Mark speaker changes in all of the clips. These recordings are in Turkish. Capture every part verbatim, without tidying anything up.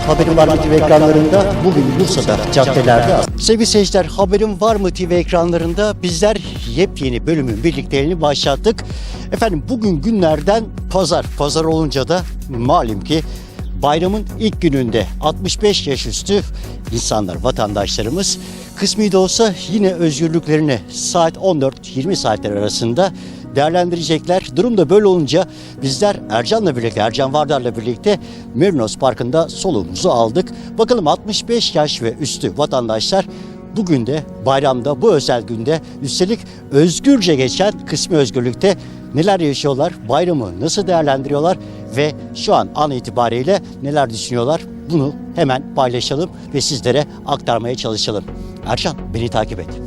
Speaker 1: Haberim Var mı T V ekranlarında bugün Bursa'da caddelerde. Sevgili seyirciler, Haberim Var mı T V ekranlarında bizler yepyeni bölümün birlikteliğini başlattık. Efendim bugün günlerden pazar. Pazar olunca da malum ki bayramın ilk gününde altmış beş yaş üstü insanlar, vatandaşlarımız kısmi de olsa yine özgürlüklerini saat on dört yirmi saatler arasında değerlendirecekler. Durum da böyle olunca bizler Ercan'la birlikte, Ercan Vardar'la birlikte Merinos Parkı'nda soluğumuzu aldık. Bakalım altmış beş yaş ve üstü vatandaşlar bugün de bayramda, bu özel günde, üstelik özgürce geçen kısmi özgürlükte neler yaşıyorlar, bayramı nasıl değerlendiriyorlar ve şu an an itibariyle neler düşünüyorlar, bunu hemen paylaşalım ve sizlere aktarmaya çalışalım. Ercan, beni takip et.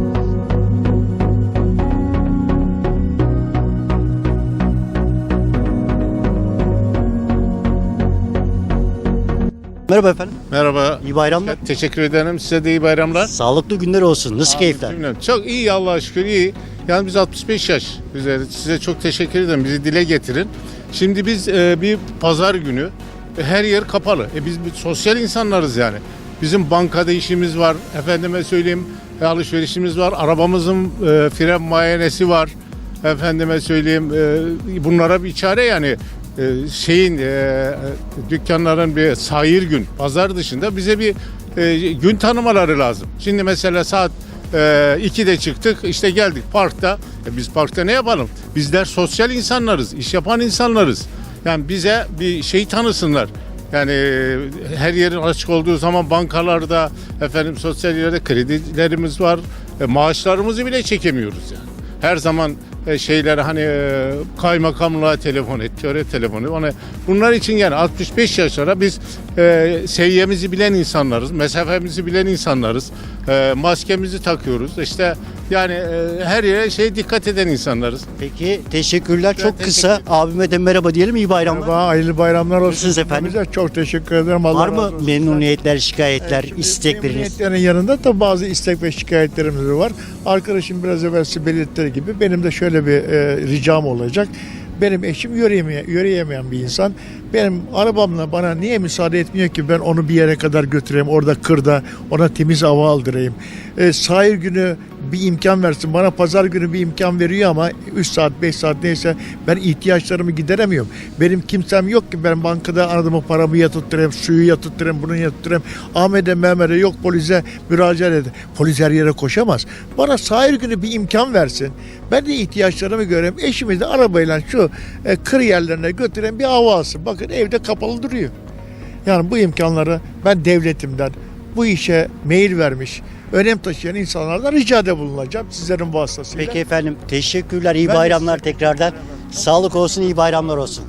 Speaker 1: Merhaba efendim.
Speaker 2: Merhaba.
Speaker 1: İyi bayramlar.
Speaker 2: Teşekkür ederim. Size de iyi bayramlar.
Speaker 1: Sağlıklı günler olsun. Nasıl keyifler?
Speaker 2: Bilmiyorum. Çok iyi, Allah'a şükür iyi. Yani biz altmış beş yaş üzeri. Size çok teşekkür ederim. Bizi dile getirin. Şimdi biz e, bir pazar günü e, her yer kapalı. E, biz bir sosyal insanlarız yani. Bizim bankada işimiz var. Efendime söyleyeyim e, alışverişimiz var. Arabamızın e, fren muayenesi var. Efendime söyleyeyim e, bunlara bir çare yani. Ee, şeyin e, dükkanların bir sahir gün, pazar dışında bize bir e, gün tanımaları lazım. Şimdi mesela saat e, ikide çıktık, işte geldik parkta. E, biz parkta ne yapalım? Bizler sosyal insanlarız, iş yapan insanlarız. Yani bize bir şey tanısınlar. Yani e, her yerin açık olduğu zaman bankalarda, efendim sosyal yerlerde kredilerimiz var. E, maaşlarımızı bile çekemiyoruz yani. Her zaman şeyler hani kaymakamlığa telefon et, töre telefonu. Hani bunlar için yani altmış beş yaşlara biz e, seviyemizi bilen insanlarız, mesafemizi bilen insanlarız, e, maskemizi takıyoruz. İşte yani e, her yere şey dikkat eden insanlarız.
Speaker 1: Peki teşekkürler. Çok
Speaker 2: Ben
Speaker 1: kısa
Speaker 2: teşekkür
Speaker 1: abime de merhaba diyelim. İyi bayramlar.
Speaker 3: Merhaba, hayırlı bayramlar olsun.
Speaker 1: Nasılsınız efendim?
Speaker 3: Bize çok teşekkür ederim. Allah
Speaker 1: Var
Speaker 3: razı
Speaker 1: mı
Speaker 3: olsun.
Speaker 1: memnuniyetler, şikayetler,
Speaker 3: Şimdi
Speaker 1: istekleriniz?
Speaker 3: memnuniyetlerin yanında da bazı istek ve şikayetlerimiz var. Arkadaşım biraz evvel belirttiği gibi benim de şöyle bir e, ricam olacak. Benim eşim yürüyemeyen, yürüyemeyen bir insan. Benim arabamla bana niye müsaade etmiyor ki ben onu bir yere kadar götüreyim, orada kırda ona temiz hava aldırayım. E, sahil günü bir imkan versin. Bana pazar günü bir imkan veriyor ama üç saat beş saat neyse ben ihtiyaçlarımı gideremiyorum. Benim kimsem yok ki ben bankada aradığımı paramı yatırtırayım, suyu yatırtırayım, bunu yatırtırayım. Ahmet'e Mehmet'e yok polise müracaat edin. Polis her yere koşamaz. Bana sahil günü bir imkan versin. Ben de ihtiyaçlarımı göreyim. Eşimi de arabayla şu e, kır yerlerine götüreyim, bir hava alsın. Bakın evde kapalı duruyor. Yani bu imkanları ben devletimden bu işe meyil vermiş, önem taşıyan insanlardan ricada bulunacağım sizlerin vasıtasıyla.
Speaker 1: Peki efendim, teşekkürler. İyi
Speaker 3: Ben de
Speaker 1: bayramlar
Speaker 3: size-
Speaker 1: tekrardan. Sağlık olsun, iyi bayramlar olsun.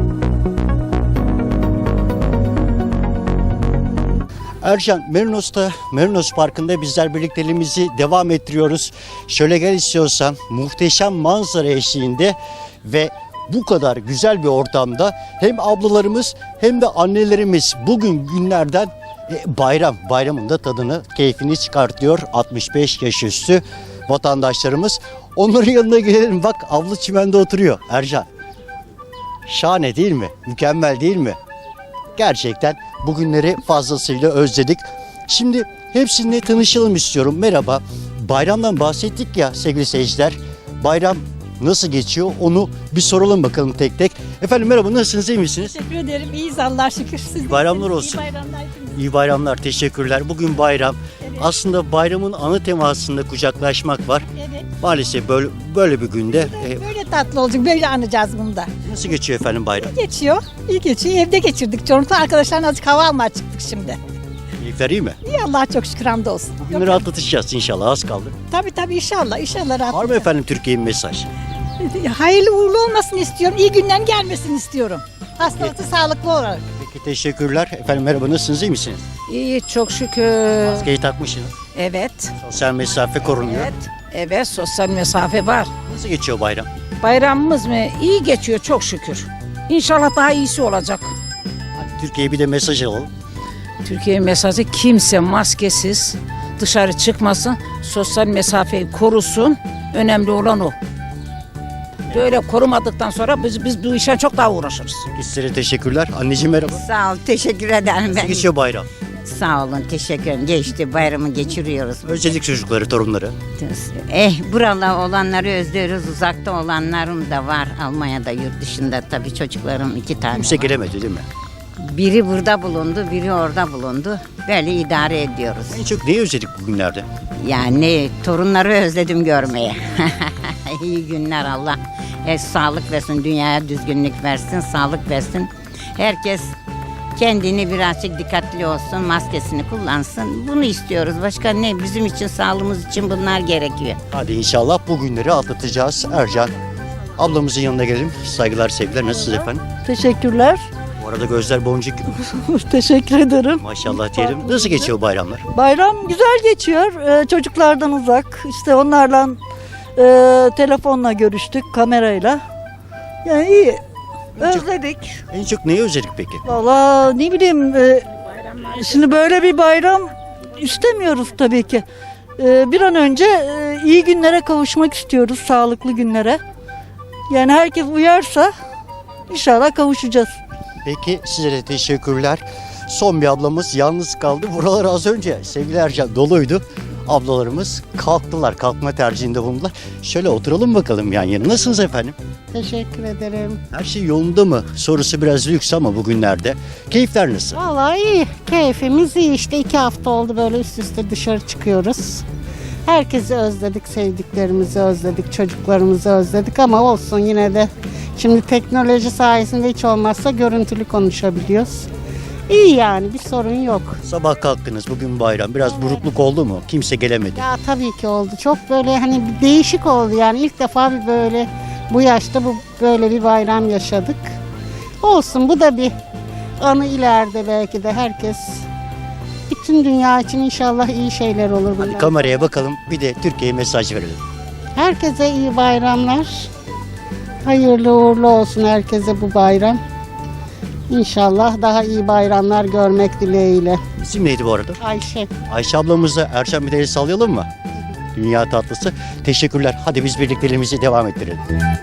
Speaker 1: Ercan, Merinos'ta, Merinos Parkı'nda bizler birlikteliğimizi devam ettiriyoruz. Şöyle gel istiyorsan, muhteşem manzara eşliğinde ve bu kadar güzel bir ortamda hem ablalarımız hem de annelerimiz bugün günlerden e, bayram, bayramın da tadını, keyfini çıkartıyor altmış beş yaş üstü vatandaşlarımız. Onların yanına gelelim, bak abla çimende oturuyor Ercan. Şahane değil mi? Mükemmel değil mi? Gerçekten bugünleri fazlasıyla özledik. Şimdi hepsininle tanışalım istiyorum. Merhaba. Bayramdan bahsettik ya sevgili seyirciler. Bayram nasıl geçiyor onu bir soralım bakalım tek tek. Efendim merhaba, nasılsınız, iyi misiniz?
Speaker 4: Teşekkür ederim. İyiyiz Allah'a şükür. Siz de
Speaker 1: bayramlar
Speaker 4: iyisiniz.
Speaker 1: olsun.
Speaker 4: İyi bayramlar hepinize.
Speaker 1: İyi bayramlar, teşekkürler. Bugün bayram.
Speaker 4: Evet.
Speaker 1: Aslında bayramın ana temasında kucaklaşmak var.
Speaker 4: Evet.
Speaker 1: Maalesef böyle böyle bir günde e,
Speaker 4: Böyle tatlı olacak. Böyle anacağız bunu da.
Speaker 1: nasıl geçiyor efendim bayram?
Speaker 4: Geçiyor. İyi geçiyor. Evde geçirdik. Çorum'da arkadaşlarla azıcık hava almaya çıktık şimdi.
Speaker 1: Keyifler iyi mi?
Speaker 4: İyi Allah'a çok şükür, hamdolsun.
Speaker 1: Bugünleri atlatacağız inşallah, az kaldı.
Speaker 4: Tabii tabii inşallah. İnşallah rahat.
Speaker 1: Var mı efendim Türkiye'nin mesaj?
Speaker 4: Hayırlı uğurlu olmasını istiyorum. İyi günlerin gelmesini istiyorum. Hastalıklı, sağlıklı olarak.
Speaker 1: Peki teşekkürler. Efendim merhaba, nasılsınız, iyi misiniz?
Speaker 5: İyi çok şükür.
Speaker 1: Maskeyi takmışsınız.
Speaker 5: Evet.
Speaker 1: Sosyal mesafe korunuyor.
Speaker 5: Evet. Evet, sosyal mesafe var.
Speaker 1: Nasıl geçiyor bayram?
Speaker 5: Bayramımız mı? İyi geçiyor çok şükür. İnşallah daha iyisi olacak.
Speaker 1: Hadi Türkiye'ye bir de mesaj alalım.
Speaker 5: Türkiye mesajı kimse maskesiz dışarı çıkmasın. Sosyal mesafeyi korusun. Önemli olan o. Böyle korumadıktan sonra biz biz bu işe çok daha uğraşırız.
Speaker 1: Sizlere teşekkürler. Anneciğim merhaba.
Speaker 6: Sağ ol, teşekkür ederim
Speaker 1: Nasıl
Speaker 6: ben.
Speaker 1: geçiyor bayram?
Speaker 6: Sağ olun, teşekkür ederim. Geçti, bayramı geçiriyoruz.
Speaker 1: Özledik çocukları, torunları.
Speaker 6: Eh, buralı olanları özlüyoruz. Uzakta olanlarım da var. Almanya'da, yurt dışında tabii çocuklarım iki tane
Speaker 1: Kimse
Speaker 6: var.
Speaker 1: gelemedi değil mi?
Speaker 6: Biri burada bulundu, biri orada bulundu. Böyle idare ediyoruz.
Speaker 1: En çok neyi özledik bugünlerde?
Speaker 6: Yani torunları özledim görmeye. İyi günler Allah. E, sağlık versin, dünyaya düzgünlük versin, sağlık versin. Herkes kendini birazcık dikkatli olsun, maskesini kullansın. Bunu istiyoruz. Başka ne? Bizim için, sağlığımız için bunlar gerekiyor.
Speaker 1: Hadi inşallah bu günleri atlatacağız. Ercan, ablamızın yanına gelelim. Saygılar, sevgiler. Nasılsınız efendim?
Speaker 7: Teşekkürler.
Speaker 1: Bu arada gözler boncuk gibi.
Speaker 7: Teşekkür ederim.
Speaker 1: Maşallah diyelim. Nasıl geçiyor bayramlar?
Speaker 7: Bayram güzel geçiyor. Ee, çocuklardan uzak. İşte onlarla e, telefonla görüştük, kamerayla. Yani iyi. Özledik.
Speaker 1: En çok neyi özledik peki?
Speaker 7: Valla ne bileyim. e, şimdi böyle bir bayram istemiyoruz tabii ki. E, bir an önce e, iyi günlere kavuşmak istiyoruz. Sağlıklı günlere. Yani herkes uyarsa inşallah kavuşacağız.
Speaker 1: Peki size de teşekkürler. Son bir ablamız yalnız kaldı. Buralar az önce sevgili Ercan doluydu. Ablalarımız kalktılar. Kalkma tercihinde bulundular. Şöyle oturalım bakalım yan yana. Nasılsınız efendim?
Speaker 8: Teşekkür ederim.
Speaker 1: Her şey yolunda mı? Sorusu biraz lüks ama bugünlerde. Keyifler nasıl?
Speaker 8: Vallahi iyi. Keyfimiz iyi işte. iki hafta oldu böyle üst üste dışarı çıkıyoruz. Herkesi özledik, sevdiklerimizi özledik, çocuklarımızı özledik ama olsun yine de. Şimdi teknoloji sayesinde hiç olmazsa görüntülü konuşabiliyoruz. İyi yani bir sorun yok.
Speaker 1: Sabah kalktınız bugün bayram. Biraz burukluk oldu mu? Kimse gelemedi.
Speaker 8: Ya tabii ki oldu. Çok böyle hani bir değişik oldu yani ilk defa bir böyle bu yaşta bu böyle bir bayram yaşadık. Olsun bu da bir anı ileride belki de herkes bütün dünya için inşallah iyi şeyler olur
Speaker 1: Hadi
Speaker 8: bundan.
Speaker 1: kameraya bakalım. Bir de Türkiye'ye mesaj verelim.
Speaker 8: Herkese iyi bayramlar. Hayırlı uğurlu olsun herkese bu bayram. İnşallah daha iyi bayramlar görmek dileğiyle.
Speaker 1: İsim neydi bu arada?
Speaker 8: Ayşe.
Speaker 1: Ayşe ablamızla Erşen bir de el sallayalım mı? Dünya tatlısı. Teşekkürler. Hadi biz birlikteliğimizi devam ettirelim.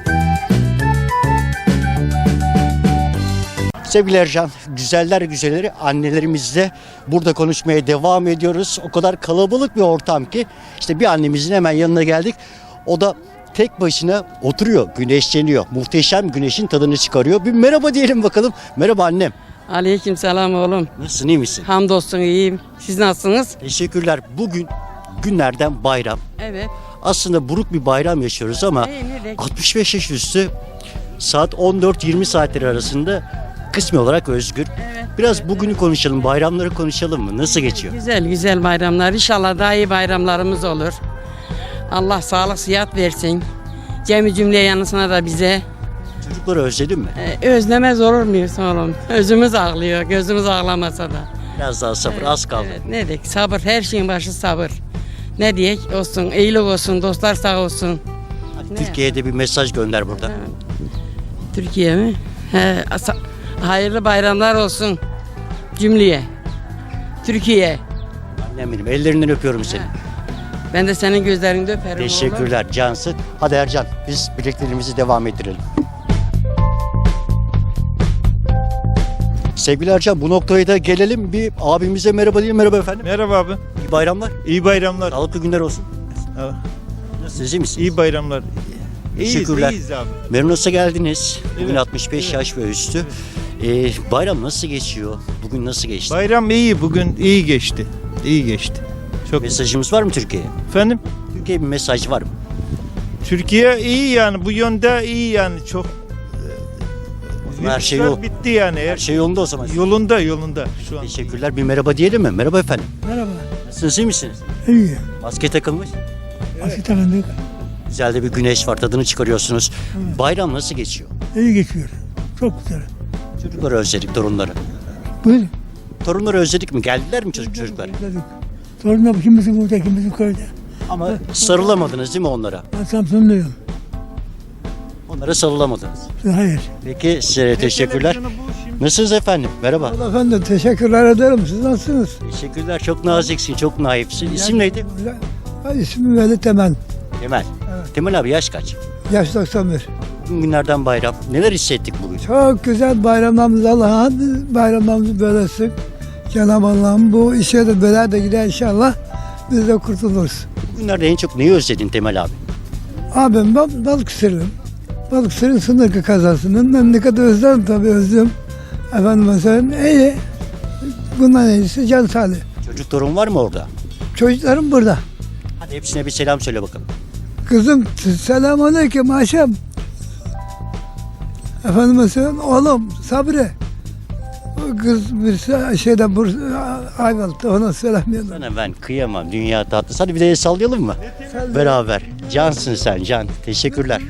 Speaker 1: Sevgili Ercan, güzeller güzelleri annelerimizle burada konuşmaya devam ediyoruz. O kadar kalabalık bir ortam ki işte bir annemizin hemen yanına geldik. O da tek başına oturuyor, güneşleniyor. Muhteşem güneşin tadını çıkarıyor. Bir merhaba diyelim bakalım. Merhaba annem.
Speaker 9: Aleyküm selam oğlum.
Speaker 1: Nasılsın, iyi misin?
Speaker 9: Hamdolsun iyiyim. Siz nasılsınız?
Speaker 1: Teşekkürler. Bugün günlerden bayram.
Speaker 9: Evet.
Speaker 1: Aslında buruk bir bayram yaşıyoruz ama
Speaker 9: İyi, nerede?
Speaker 1: altmış beş yaş üstü saat on dört yirmi saatleri arasında kısmi olarak özgür. Biraz bugünü konuşalım, bayramları konuşalım mı? Nasıl geçiyor?
Speaker 9: Güzel güzel bayramlar. İnşallah daha iyi bayramlarımız olur. Allah sağlık sıhhat versin. Cemi cümle yanısına da bize.
Speaker 1: Çocukları özledin mi?
Speaker 9: Ee, özlemez olur muyuz oğlum? Özümüz ağlıyor. Gözümüz ağlamasa da.
Speaker 1: Biraz daha sabır, az kaldı.
Speaker 9: Evet, ne diyek? Sabır. Her şeyin başı sabır. Ne diyek? Olsun. İyilik olsun. Dostlar sağ olsun.
Speaker 1: Hadi
Speaker 9: Ne?
Speaker 1: Türkiye'ye de bir mesaj gönder burada.
Speaker 9: Türkiye mi? He, asa- hayırlı bayramlar olsun cümleye. Türkiye.
Speaker 1: Annem benim, ellerinden öpüyorum seni.
Speaker 9: Ben de senin gözlerinde öperim oğlum.
Speaker 1: Teşekkürler Cansı. Hadi Ercan, biz birlikteliğimizi devam ettirelim. Sevgili Ercan, bu noktaya da gelelim. Bir abimize merhaba diyelim. Merhaba efendim.
Speaker 10: Merhaba abi.
Speaker 1: İyi bayramlar.
Speaker 10: İyi bayramlar.
Speaker 1: Sağlıklı günler olsun.
Speaker 10: Ha,
Speaker 1: Nasılsınız, iyi misiniz?
Speaker 10: İyi bayramlar. İyiyiz,
Speaker 1: Teşekkürler.
Speaker 10: iyiyiz abi.
Speaker 1: Merinos'a geldiniz. Bugün
Speaker 10: Evet,
Speaker 1: altmış beş
Speaker 10: evet.
Speaker 1: yaş ve üstü. Ee, bayram nasıl geçiyor? Bugün nasıl geçti?
Speaker 10: Bayram iyi bugün iyi geçti. İyi geçti. Çok
Speaker 1: Mesajımız var mı Türkiye'ye?
Speaker 10: efendim.
Speaker 1: Türkiye'ye bir mesaj var mı?
Speaker 10: Türkiye iyi yani bu yönde iyi yani çok.
Speaker 1: Her şey
Speaker 10: Virüsler
Speaker 1: yol-
Speaker 10: bitti yani.
Speaker 1: Her
Speaker 10: Her
Speaker 1: şey yolunda o zaman.
Speaker 10: yolunda yolunda şu an.
Speaker 1: Teşekkürler. Bir merhaba diyelim mi? Merhaba efendim.
Speaker 11: Merhaba.
Speaker 1: Nasılsınız, iyi misiniz?
Speaker 11: İyi.
Speaker 1: Maske takılmış.
Speaker 11: Maske takındık.
Speaker 1: Güzel de bir güneş var. Tadını çıkarıyorsunuz. Bayram nasıl geçiyor?
Speaker 11: İyi geçiyor. Çok güzel.
Speaker 1: Çocukları özledik, torunları.
Speaker 11: Buyurun.
Speaker 1: Torunları özledik mi? Geldiler mi çocuk çocuklar?
Speaker 11: Dedik. Sorun kimisi burada, kimisi köyde.
Speaker 1: Ama sarılamadınız değil mi onlara?
Speaker 11: Ben Samsunluyum.
Speaker 1: Onlara sarılamadınız.
Speaker 11: Hayır.
Speaker 1: Peki size teşekkürler. Nasılsınız efendim? Merhaba.
Speaker 11: Allah efendim teşekkürler ederim. Siz nasılsınız?
Speaker 1: Teşekkürler. Çok naziksin, çok naifsin. İsim neydi?
Speaker 11: Ben ismim Veli Temen.
Speaker 1: Temel. Temel abi yaş kaç?
Speaker 11: Yaş doksan bir.
Speaker 1: Bugün günlerden bayram. Neler hissettik bugün?
Speaker 11: Çok güzel bayramlarımız Allah'ın bayramlarımızı böylesin. Cenab-ı Allah'ım bu işe de böyle de gider inşallah. Biz de kurtuluruz.
Speaker 1: Bugünlerde en çok neyi özledin Temel abi?
Speaker 11: Abim ben Balıkesir'im. Balıkesir'in sınır kazasının memleketi özledim tabii özlüyorum. Efendim mesela iyi. Bundan iyisi can sağlığı.
Speaker 1: Çocuk torun var mı orada?
Speaker 11: Çocuklarım burada.
Speaker 1: Hadi hepsine bir selam söyle bakalım.
Speaker 11: Kızım selamünaleyküm Ayşem. Efendim mesela oğlum Sabri. O kız bir şeyde Bursa Ayvalık'ta ona selamlıyorum.
Speaker 1: Sana ben kıyamam. Dünya tatlısı. Hadi bir de el sallayalım mı? Beraber. Cansın sen can. Teşekkürler.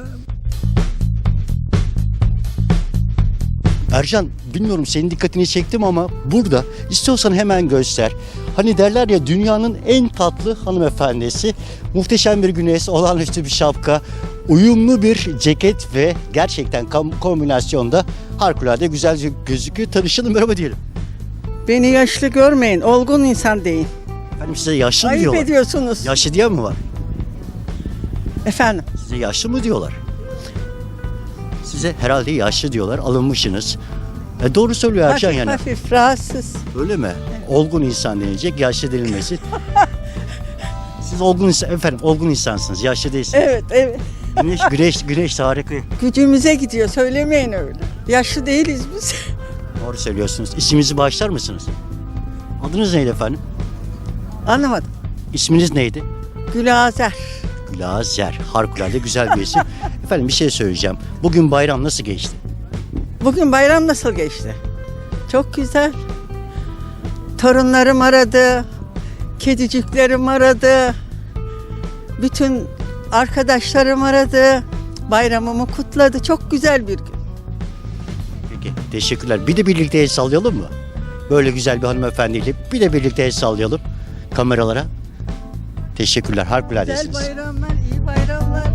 Speaker 1: Ercan, bilmiyorum senin dikkatini çektim ama burada istiyorsan hemen göster. Hani derler ya dünyanın en tatlı hanımefendisi, muhteşem bir güneş, olağanüstü bir şapka, uyumlu bir ceket ve gerçekten kam- kombinasyonda harikulade güzel gözüküyor. Tanışalım, merhaba diyelim.
Speaker 12: Beni yaşlı görmeyin, olgun insan deyin.
Speaker 1: Efendim size yaşlı mı
Speaker 12: Ayıp
Speaker 1: diyorlar?
Speaker 12: ediyorsunuz.
Speaker 1: Yaşlı diyen mi var?
Speaker 12: Efendim,
Speaker 1: Size yaşlı mı diyorlar? Size herhalde yaşlı diyorlar, alınmışsınız. E doğru söylüyor Ercan
Speaker 12: hafif
Speaker 1: yani.
Speaker 12: hafif rahatsız.
Speaker 1: Öyle mi? Olgun insan denilecek, yaşlı denilmesi. Siz olgun insan, efendim olgun insansınız, yaşlı değilsiniz.
Speaker 12: Evet, evet.
Speaker 1: Güneş, güneş, güneş harika.
Speaker 12: Gücümüze gidiyor, söylemeyin öyle. Yaşlı değiliz biz.
Speaker 1: Doğru söylüyorsunuz. İsminizi bağışlar mısınız? Adınız neydi efendim?
Speaker 12: Anlamadım.
Speaker 1: İsminiz neydi?
Speaker 12: Gülazer.
Speaker 1: Gülazer. Harikulade güzel bir isim. Efendim bir şey söyleyeceğim. Bugün bayram nasıl geçti?
Speaker 12: Bugün bayram nasıl geçti? Çok güzel. Torunlarım aradı, kediciklerim aradı, bütün arkadaşlarım aradı, bayramımı kutladı. Çok güzel bir gün.
Speaker 1: Peki teşekkürler. Bir de birlikte el sallayalım mı? Böyle güzel bir hanımefendiyle bir de birlikte el sallayalım kameralara. Teşekkürler.
Speaker 12: Güzel
Speaker 1: Harikuladesiniz.
Speaker 12: bayramlar, iyi bayramlar.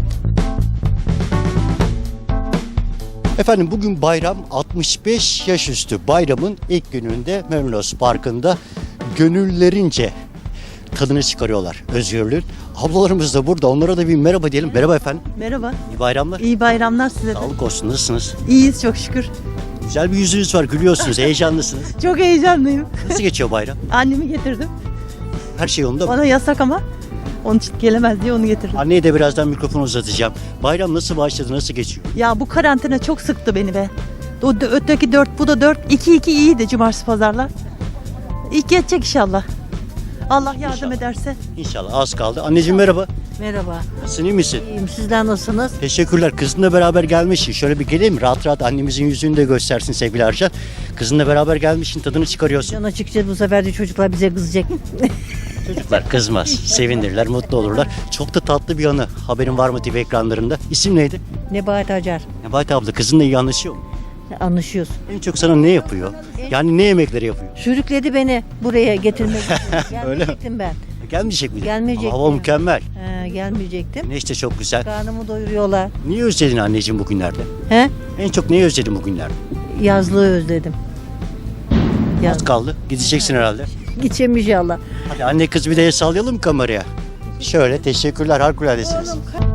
Speaker 1: Efendim bugün bayram altmış beş yaş üstü bayramın ilk gününde Mevlos Parkı'nda gönüllerince tadını çıkarıyorlar özgürlüğün. Ablalarımız da burada. Onlara da bir merhaba diyelim. Merhaba efendim.
Speaker 7: Merhaba.
Speaker 1: İyi bayramlar.
Speaker 7: İyi bayramlar size de.
Speaker 1: Sağlık olsun. Nasılsınız?
Speaker 7: İyiyiz çok şükür.
Speaker 1: Güzel bir yüzünüz var. Gülüyorsunuz. Heyecanlısınız.
Speaker 7: Çok heyecanlıyım.
Speaker 1: Nasıl geçiyor bayram?
Speaker 7: Annemi getirdim.
Speaker 1: Her şey yolunda mı?
Speaker 7: Bana yasak ama onun için gelemez diye onu getirdim.
Speaker 1: Anneye de birazdan mikrofonu uzatacağım. Bayram nasıl başladı? Nasıl geçiyor?
Speaker 7: Ya bu karantina çok sıktı beni be. O d- öteki dört, bu da dört. İki iki iyiydi cumartesi pazarlar. İlk geçecek inşallah. Allah yardım
Speaker 1: İnşallah.
Speaker 7: ederse.
Speaker 1: İnşallah az kaldı. Anneciğim merhaba.
Speaker 7: Merhaba.
Speaker 1: Nasılsın, iyi misin?
Speaker 7: İyiyim. Sizler nasılsınız?
Speaker 1: Teşekkürler. Kızınla beraber gelmişsin. Şöyle bir geleyim. Rahat rahat annemizin yüzünü de göstersin sevgili Ercan. Kızınla beraber gelmişsin. Tadını çıkarıyorsun.
Speaker 7: Can açıkçası bu sefer de çocuklar bize kızacak.
Speaker 1: Çocuklar kızmaz. Sevinirler, mutlu olurlar. Çok da tatlı bir anı. Haberin var mı T V ekranlarında? İsim neydi?
Speaker 7: Nebahat Acar.
Speaker 1: Nebahat abla kızınla iyi anlaşıyor mu?
Speaker 7: Anlaşıyoruz.
Speaker 1: En çok sana ne yapıyor? Yani ne yemekleri yapıyor?
Speaker 7: Sürükledi beni buraya getirmek için.
Speaker 1: Öyle mi?
Speaker 7: Gelmeyecektim ben.
Speaker 1: Gelmeyecek miydi?
Speaker 7: Gelmeyecektim.
Speaker 1: Ama hava mükemmel.
Speaker 7: He, gelmeyecektim.
Speaker 1: Güneş de çok güzel.
Speaker 7: Karnımı doyuruyorlar.
Speaker 1: Niye özledin anneciğim bugünlerde?
Speaker 7: He?
Speaker 1: En çok neyi özledin bugünlerde?
Speaker 7: Yazlığı özledim.
Speaker 1: Az
Speaker 7: Yaz.
Speaker 1: kaldı. Gideceksin herhalde.
Speaker 7: Gideceğim inşallah.
Speaker 1: Hadi anne kız bir de el sallayalım mı kameraya? Şöyle teşekkürler harikuladesiniz.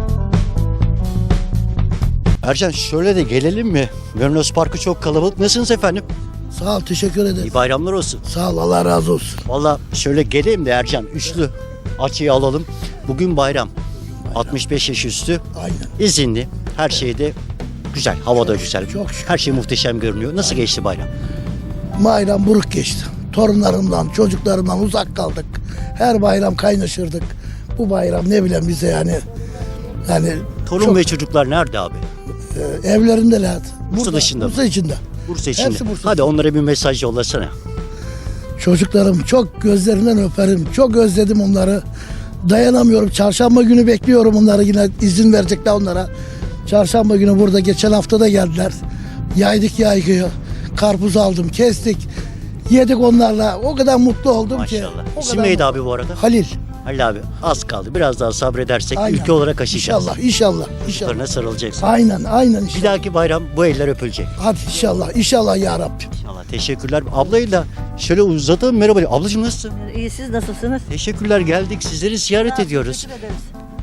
Speaker 1: Ercan şöyle de gelelim mi? Mevlos Parkı çok kalabalık. Nasılsınız efendim?
Speaker 11: Sağ ol, teşekkür ederim.
Speaker 1: İyi bayramlar olsun.
Speaker 11: Sağ ol, Allah razı olsun.
Speaker 1: Valla şöyle geleyim de Ercan üçlü açıyı alalım. Bugün bayram. altmış beş yaş üstü.
Speaker 11: Aynen.
Speaker 1: İzinli. Her şeyde güzel. Hava da güzel.
Speaker 11: Çok şükür.
Speaker 1: Her şey muhteşem görünüyor. Nasıl geçti bayram?
Speaker 11: Bayram buruk geçti. Torunlarımdan, çocuklarımdan uzak kaldık. Her bayram kaynaşırdık. Bu bayram ne bileyim bize yani. Yani
Speaker 1: Torun
Speaker 11: çok,
Speaker 1: ve çocuklar nerede abi?
Speaker 11: e, evlerindeler.
Speaker 1: Bursa
Speaker 11: Burada,
Speaker 1: dışında mı?
Speaker 11: Bursa içinde.
Speaker 1: Bursa içinde.
Speaker 11: Hepsi Bursa.
Speaker 1: Hadi onlara bir mesaj yollasana.
Speaker 11: Çocuklarım çok gözlerinden öperim. Çok özledim onları. Dayanamıyorum. Çarşamba günü bekliyorum onları, yine izin verecekler onlara. Çarşamba günü burada geçen hafta da geldiler. Yaydık yaygıyı. Karpuz aldım, kestik. Yedik onlarla. O kadar mutlu oldum ki.
Speaker 1: Maşallah.
Speaker 11: O
Speaker 1: İsim
Speaker 11: kadar
Speaker 1: neydi
Speaker 11: mutlu.
Speaker 1: abi bu arada?
Speaker 11: Halil.
Speaker 1: Halil abi az kaldı. Biraz daha sabredersek
Speaker 11: Aynen.
Speaker 1: ülke olarak aşacağız.
Speaker 11: İnşallah, inşallah, inşallah.
Speaker 1: Çocuklarına sarılacaksın.
Speaker 11: Aynen, aynen
Speaker 1: Bir
Speaker 11: inşallah.
Speaker 1: dahaki bayram bu eller öpülecek.
Speaker 11: Hadi inşallah, inşallah ya Rabbim.
Speaker 1: İnşallah. Teşekkürler. Ablayı da şöyle uzatalım. Merhaba. Ablacığım nasılsın?
Speaker 7: İyi siz nasılsınız?
Speaker 1: Teşekkürler geldik. Sizleri ziyaret ediyoruz.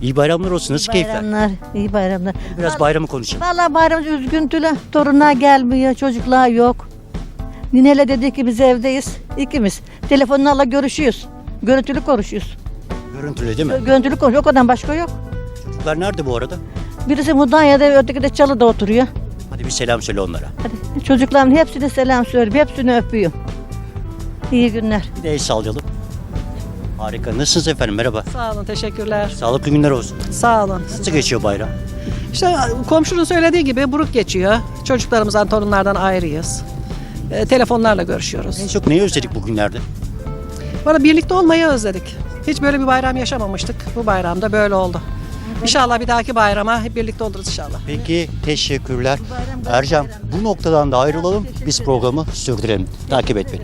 Speaker 1: İyi bayramlar olsun. Nasıl keyifler?
Speaker 7: Bayramlar, iyi bayramlar.
Speaker 1: Biraz bayramı konuşalım.
Speaker 7: Valla bayram üzüntülü. Torunlar gelmiyor, çocuklar yok. Nineyle dedi ki biz evdeyiz. İkimiz. Telefonlarla görüşüyoruz. Görüntülü konuşuyoruz.
Speaker 1: Görüntülü değil mi?
Speaker 7: Görüntülü konuşuyoruz. O kadar başka yok.
Speaker 1: Çocuklar nerede bu arada?
Speaker 7: Birisi Mudanya'da, öteki de Çalı'da oturuyor.
Speaker 1: Hadi bir selam söyle onlara.
Speaker 7: Hadi çocukların hepsine selam söylüyorum. Hepsini öpüyorum. İyi günler.
Speaker 1: Bir de el sallayalım. Harika. Nasılsınız efendim? Merhaba.
Speaker 12: Sağ olun, teşekkürler.
Speaker 1: Sağlıklı günler olsun.
Speaker 12: Sağ olun.
Speaker 1: Nasıl geçiyor bayram?
Speaker 12: İşte komşunun söylediği gibi buruk geçiyor. Çocuklarımızdan, torunlardan ayrıyız. E, telefonlarla görüşüyoruz.
Speaker 1: En çok neyi özledik bugünlerde?
Speaker 12: Bana birlikte olmayı özledik. Hiç böyle bir bayram yaşamamıştık. Bu bayramda böyle oldu. İnşallah bir dahaki bayrama hep birlikte oluruz inşallah.
Speaker 1: Peki teşekkürler. Ercan bu noktadan da ayrılalım. Biz programı sürdürelim. Takip et beni.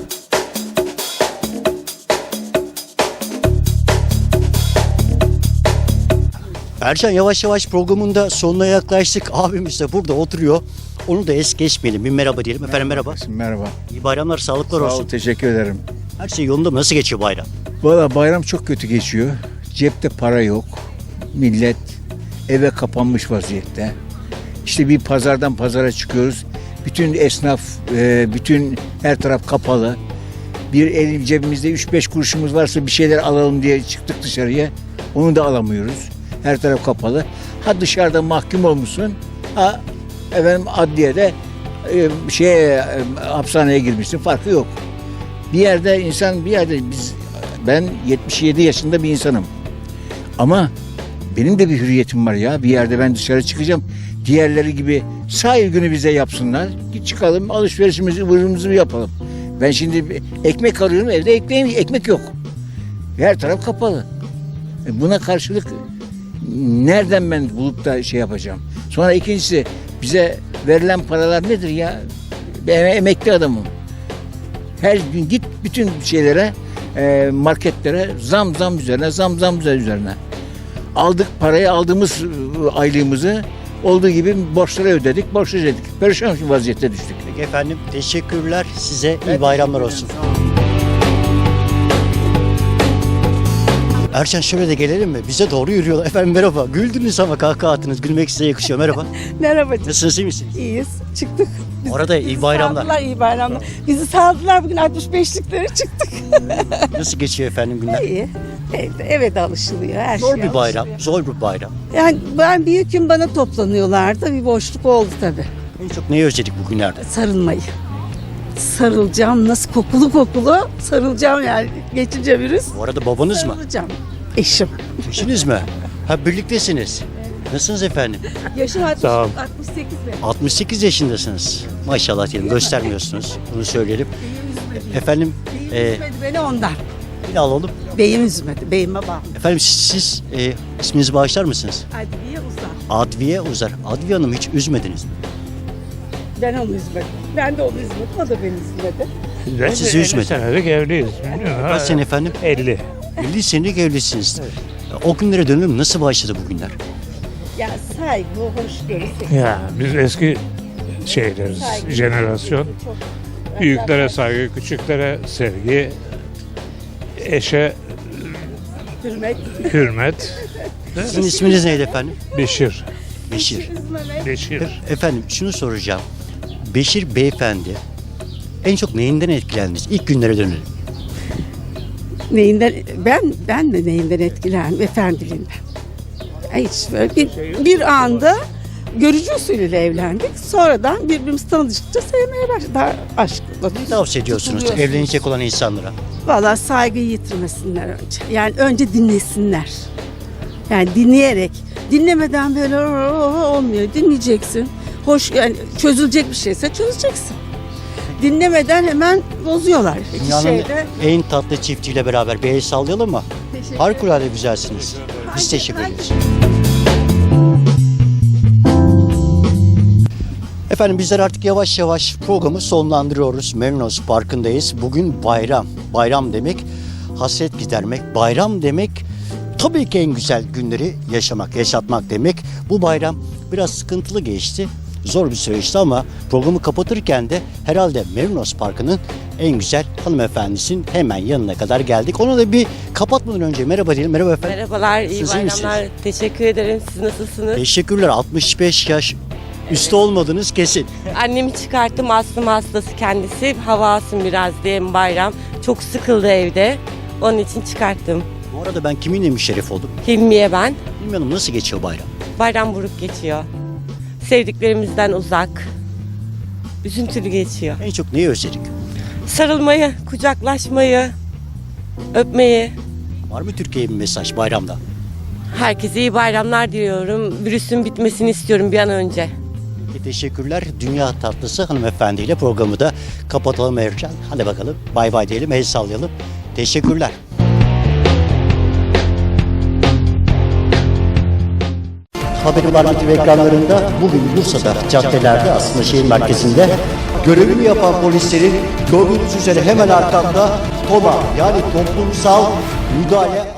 Speaker 1: Ercan yavaş yavaş programın da sonuna yaklaştık. Abimiz de burada oturuyor. Onu da es geçmeyelim. Bir merhaba diyelim. Efendim merhaba.
Speaker 13: Merhaba.
Speaker 1: İyi bayramlar, sağlıklar
Speaker 13: Sağ
Speaker 1: olsun.
Speaker 13: ol, teşekkür ederim.
Speaker 1: Her şey yolunda mı? Nasıl geçiyor bayram?
Speaker 13: Valla bayram çok kötü geçiyor. Cepte para yok. Millet eve kapanmış vaziyette. İşte bir pazardan pazara çıkıyoruz. Bütün esnaf, e, bütün her taraf kapalı. Bir elim cebimizde üç beş kuruşumuz varsa bir şeyler alalım diye çıktık dışarıya. Onu da alamıyoruz. Her taraf kapalı. Ha dışarıda mahkum olmuşsun. Ha efendim adliyede e, şeye, e, hapishaneye girmişsin. Farkı yok. Bir yerde insan bir yerde biz ben yetmiş yedi yaşında bir insanım. Ama benim de bir hürriyetim var ya. Bir yerde ben dışarı çıkacağım. Diğerleri gibi sahil günü bize yapsınlar. Git çıkalım alışverişimizi ıvırımızı yapalım. Ben şimdi ekmek arıyorum evde ekmeğim, ekmek yok. Her taraf kapalı. E buna karşılık nereden ben bulup da şey yapacağım? Sonra ikincisi bize verilen paralar nedir ya? Ben emekli adamım. Her gün git bütün şeylere, e, marketlere zam zam üzerine, zam zam üzerine. Aldık parayı, aldığımız aylığımızı olduğu gibi borçlara ödedik, borçları ödedik. Perişan bir vaziyette düştük.
Speaker 1: Peki efendim teşekkürler. Size iyi bayramlar olsun. Ercan şöyle de gelelim mi? Bize doğru yürüyorlar. Efendim merhaba. Güldünüz ama kahkaha attınız. Gülmek size yakışıyor. Merhaba.
Speaker 14: Merhaba.
Speaker 1: Nasılsınız, iyi misiniz?
Speaker 14: İyiyiz. Çıktık.
Speaker 1: Bu arada iyi bayramlar.
Speaker 14: Saldılar, iyi bayramlar. Bizi saldılar bugün altmış beşliklere çıktık.
Speaker 1: Nasıl geçiyor efendim günler?
Speaker 14: İyi. Evde, eve de alışılıyor. Her
Speaker 1: Zor
Speaker 14: şey
Speaker 1: bir bayram.
Speaker 14: alışılıyor.
Speaker 1: Zor bir bayram.
Speaker 14: Yani ben büyük gün bana toplanıyorlardı. Bir boşluk oldu tabii.
Speaker 1: En çok neyi özledik bugünlerde?
Speaker 14: Sarılmayı. Sarılacağım. Nasıl kokulu kokulu sarılacağım yani. Geçince virüs.
Speaker 1: Bu arada babanız mı?
Speaker 14: Sarılacağım. Eşim.
Speaker 1: Eşiniz mi? Ha birliktesiniz. Nasılsınız efendim?
Speaker 14: Yaşım altmış,
Speaker 1: Sağ ol.
Speaker 14: altmış sekiz mi?
Speaker 1: altmış sekiz yaşındasınız. Maşallah diyelim. Göstermiyorsunuz. Bunu söyleyelim. Efendim e,
Speaker 14: Üzmedi beni ondan.
Speaker 1: bir de alalım.
Speaker 14: Beyim üzmedi. Beyime bağlı.
Speaker 1: Efendim siz, siz e, isminizi bağışlar mısınız?
Speaker 14: Adliye uzar.
Speaker 1: Adviye Uzar. Adviye Hanım hiç üzmediniz mi?
Speaker 14: Ben onu üzmedim. Ben de onu üzmedim. O da beni üzmedi.
Speaker 1: Sizi üzmedi.
Speaker 10: senelik evliyiz.
Speaker 1: Kaç sene efendim?
Speaker 10: elli.
Speaker 1: elli senelik evlisiniz. O günlere dönelim. Nasıl başladı bugünler?
Speaker 14: Ya saygı, hoşgörü.
Speaker 10: Ya biz eski şeyleriz,
Speaker 14: Saygı.
Speaker 10: jenerasyon.
Speaker 14: Çok-
Speaker 10: Büyüklere saygı, küçüklere sevgi, eşe
Speaker 14: Hürmet.
Speaker 10: hürmet.
Speaker 1: Sizin isminiz neydi efendim?
Speaker 10: Beşir.
Speaker 1: Beşir.
Speaker 10: Beşir.
Speaker 1: E- efendim şunu soracağım. Beşir beyefendi en çok neyinden etkilendiniz? İlk günlere dönelim.
Speaker 14: Neyinden, ben ben de neyinden etkilendim? Efendiliğinden. Hiç böyle bir, bir anda görücü usulüyle evlendik. Sonradan birbirimizi tanıdıkça sevmeye başladık. Daha aşkla.
Speaker 1: Ne tavsiye ediyorsunuz evlenecek olan insanlara?
Speaker 14: Valla saygıyı yitirmesinler önce. Yani önce dinlesinler. Yani dinleyerek. Dinlemeden böyle olmuyor. Dinleyeceksin. Hoş yani çözülecek bir şeyse çözeceksin. Dinlemeden hemen bozuyorlar. İki
Speaker 1: Dünyanın
Speaker 14: şeyde.
Speaker 1: en tatlı çiftiyle beraber bir el sallayalım mı?
Speaker 14: Teşekkür
Speaker 1: Harikulade güzelsiniz. Biz teşekkür ederiz. Efendim bizler artık yavaş yavaş programı sonlandırıyoruz. Merinos Parkı'ndayız. Bugün bayram. Bayram demek hasret gidermek. Bayram demek tabii ki en güzel günleri yaşamak, yaşatmak demek. Bu bayram biraz sıkıntılı geçti. zor bir süreçti ama programı kapatırken de herhalde Merinos Parkı'nın en güzel hanımefendisinin hemen yanına kadar geldik. Ona da bir kapatmadan önce merhaba diyelim. Merhaba efendim.
Speaker 15: Merhabalar, iyi
Speaker 1: Siz iyi
Speaker 15: bayramlar.
Speaker 1: misiniz?
Speaker 15: Teşekkür ederim. Siz nasılsınız?
Speaker 1: Teşekkürler. altmış beş yaş üstü olmadınız kesin.
Speaker 15: Annemi çıkarttım, astım hastası kendisi. Hava alsın biraz diye bayram. Çok sıkıldı evde. Onun için çıkarttım.
Speaker 1: Bu arada ben kiminle müşerref oldum?
Speaker 15: Hilmiye ben.
Speaker 1: Bilmiyorum, nasıl geçiyor bayram?
Speaker 15: Bayram buruk geçiyor. Sevdiklerimizden uzak. Üzüntülü geçiyor.
Speaker 1: En çok neyi özledik?
Speaker 15: Sarılmayı, kucaklaşmayı, öpmeyi.
Speaker 1: Var mı Türkiye'ye bir mesaj bayramda?
Speaker 15: Herkese iyi bayramlar diliyorum. Virüsün bitmesini istiyorum bir an önce.
Speaker 1: Peki, teşekkürler. Dünya tatlısı hanımefendiyle programı da kapatalım Ercan. Hadi bakalım bay bay diyelim, el sallayalım. Teşekkürler. Haberi var T V ekranlarında bugün Bursa'da caddelerde, aslında şehir merkezinde görevini yapan polislerin gördüğünüz üzere hemen arkamda TOMA yani toplumsal müdahale